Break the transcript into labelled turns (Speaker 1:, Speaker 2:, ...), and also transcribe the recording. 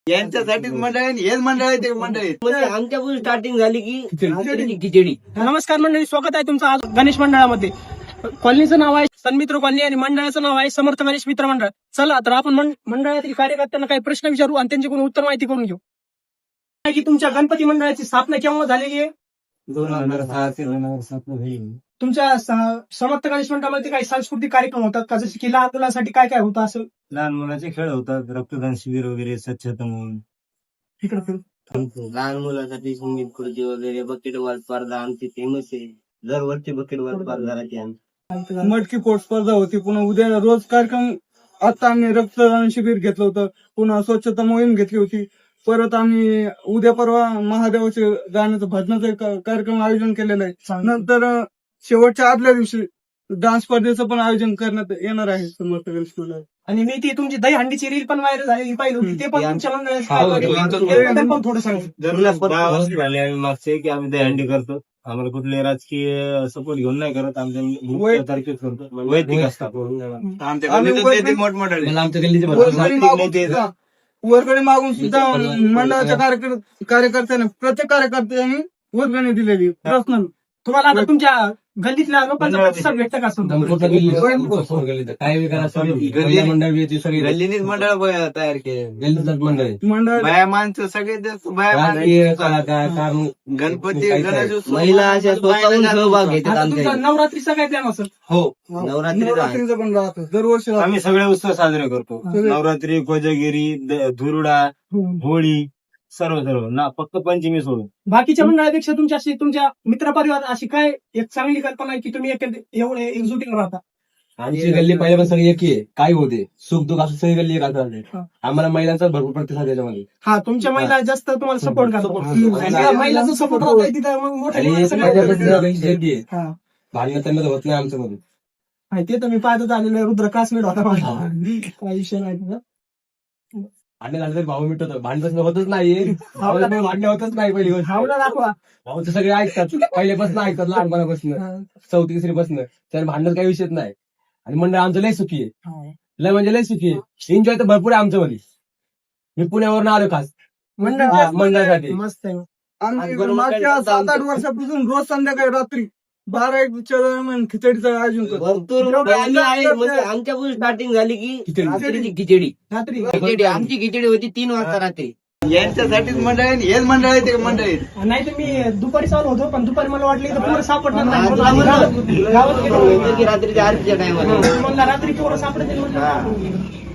Speaker 1: यांच्यासाठीच मंडळ आहे, हेच मंडळ आहे ते मंडळ आहे.
Speaker 2: आमच्यापासून स्टार्टिंग झाली की खिचडी.
Speaker 3: नमस्कार मंडळी, स्वागत आहे तुमचं आज गणेश मंडळामध्ये. कॉलनीचं नाव आहे सन्मित्र कॉलनी आणि मंडळाचं नाव आहे समर्थ गणेश मित्र मंडळ. चला तर आपण मंडळातील कार्यकर्त्यांना काही प्रश्न विचारू आणि त्यांच्याकडून उत्तर माहिती करून घेऊ. की तुमच्या गणपती मंडळाची स्थापना केव्हा झालेली आहे?
Speaker 2: 2006 ते 2007
Speaker 3: तुमच्या समर्थ गणेश मंडळामध्ये काही सांस्कृतिक कार्यक्रम होतात का? जसे की लहान मुलांसाठी काय काय होतं असं?
Speaker 2: लहान मुलाचे खेळ होतात, रक्तदान शिबिर वगैरे, स्वच्छता म्हणून.
Speaker 3: इकडे
Speaker 4: लहान मुलांसाठी संगीत खुर्ची वगैरे, बकेटबॉल स्पर्धा आमची फेमस आहे. दरवर्षी बकेटबॉल स्पर्धा राहते आमची.
Speaker 1: मटकी पोट स्पर्धा होती. पुन्हा उद्या रोज कार्यक्रम. आता आम्ही रक्तदान शिबिर घेतलं होतं. पुन्हा स्वच्छता मोहीम घेतली होती. परत आम्ही उद्या परवा महादेवाचे गाण्याचं भजनाचं कार्यक्रम आयोजन केलेलं आहे. नंतर शेवटच्या आदल्या दिवशी डान्स स्पर्धेचं पण आयोजन करण्यात येणार आहे समर्थ गणेश मंडळ.
Speaker 3: आणि मी ती तुमची दही हंडीची रील पण व्हायरल झालेली पाहिली होती, ते पण तुमच्या मंडळात पण थोडं सांगा.
Speaker 2: 10 वर्ष झाले आम्ही मागचे की आम्ही दहीहंडी करतो. आम्हाला कुठले राजकीय सपोर्ट घेऊन नाही करत. आमच्या तारखेच करतो, वैयक्तिक असतात.
Speaker 1: वर्गणी मागून सुद्धा मंडळाच्या कार्यकर्त्यांनी प्रत्येक कार्यकर्त्यांनी वर्गणी दिलेली पर्सनल.
Speaker 3: तुम्हाला आता तुमच्या गल्लीतल्या लोकांचा प्रतिसाद भेटतं का?
Speaker 4: गल्लीनीच मंडळ तयार केले.
Speaker 1: मंडळ
Speaker 4: बाया माणसं सगळे गणपती गणेशोत्सव महिला अशा स्वतःहून सहभाग घेतात आमच्या.
Speaker 3: नवरात्रीचा काय प्लॅन असेल?
Speaker 4: हो,
Speaker 1: नवरात्रीचं पण राहतं दरवर्षी.
Speaker 2: आम्ही सगळे उत्सव साजरे करतो. नवरात्री, कोजागिरी, धुरुडा, होळी, सर्व ना फक्त पंचमी सोडून.
Speaker 3: बाकीच्या मंडळापेक्षा तुमच्या मित्रपरिवार अशी काय एक चांगली कल्पना आहे की तुम्ही एवढे एकजुटीने राहता?
Speaker 5: आमची गल्ली पहिल्यापासून सगळी एक आहे. काय होते सुख दुःख असं सगळी गल्ली एक. आम्हाला महिलांचा भरपूर प्रतिसाद त्याच्यामध्ये.
Speaker 3: हा, तुमच्या महिला जास्त तुम्हाला सपोर्ट करतात. महिलाचा सपोर्ट होता तिथं मग मोठ्या
Speaker 5: भांडण त्यांना होत नाही आमच्या मध्ये.
Speaker 3: ते तर मी पाहतच आलेलं आहे. रुद्र क्लासमेट होता माझा. काही विषय नाही तुझा.
Speaker 5: भांडण झालं तरी भाऊ मिटवतो. भांडण होतच नाही, भांडण होतच नाही. पहिली गोष्ट
Speaker 3: भावना दाखवा.
Speaker 5: भाऊचं सगळे ऐकतात, पहिल्यापासून ऐकतात, लहानपणापासून 4थी 3री पासून. तर भांडण काही विषयच नाही. आणि मंडळ आमचं लय सुखी आहे, लय म्हणजे लय सुखी आहे. एन्जॉय तर भरपूर आहे आमच्या मध्ये. मी पुण्यावरून आलो खास मंडळासाठी.
Speaker 3: मस्त आहे.
Speaker 1: आम्ही मागच्या 7-8 वर्षापासून रोज संध्याकाळी रात्री 12-1च्या दरम्यान खिचडीचं आयोजन करतो.
Speaker 4: भरपूर आमच्यापासून स्टार्टिंग झाली की खिचडी.
Speaker 3: रात्री
Speaker 4: आमची खिचडी होती 3 वाजता रात्री.
Speaker 1: यांच्यासाठीच मंडळ आहे, हेच मंडळ आहे ते मंडळ आहे.
Speaker 3: नाही तर मी दुपारी चालू होतो, पण दुपारी मला वाटलं तर पोरं सापडणार नाही. गावात गेलो
Speaker 4: रात्रीच्या आरतीच्या टायमाला
Speaker 3: मला रात्री पोरं सापडतील.